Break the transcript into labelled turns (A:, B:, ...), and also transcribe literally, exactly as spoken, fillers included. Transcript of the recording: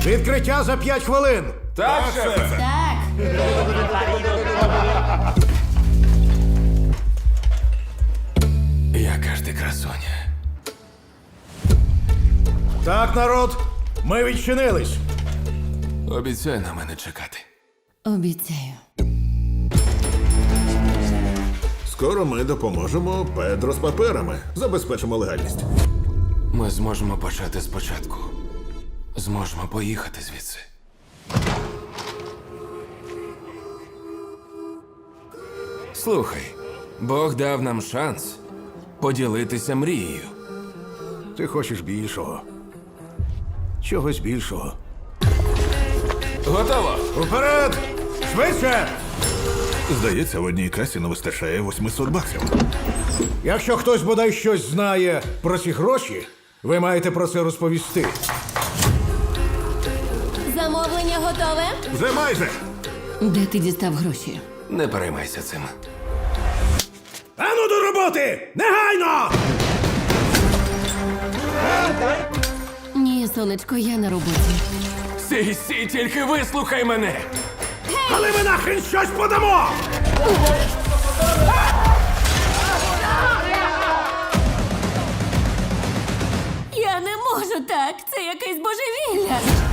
A: Відкриття за п'ять хвилин.
B: Так, шефе.
C: Так.
B: Яка ж ти красуня.
A: Так, народ, ми відчинились.
B: Обіцяй на мене чекати.
C: Обіцяю.
D: Скоро ми допоможемо Педро з паперами. Забезпечимо легальність.
B: Ми зможемо почати спочатку. Зможемо поїхати звідси. Слухай, Бог дав нам шанс поділитися мрією.
A: Ти хочеш більшого. Чогось більшого.
B: Готово!
A: Уперед! Швидше!
D: Здається, в одній касі не вистачає восьмисот баксів.
A: Якщо хтось бодай щось знає про ці гроші, ви маєте про це розповісти.
C: Замовлення готове?
D: Вже майже!
C: Де ти дістав гроші?
B: Не переймайся цим.
A: Ану до роботи! Негайно!
C: Ні, сонечко, я на роботі.
B: Сі, сі, тільки вислухай мене!
A: Але ми нахрен щось подамо!
C: Я не можу так. Це якесь божевілля.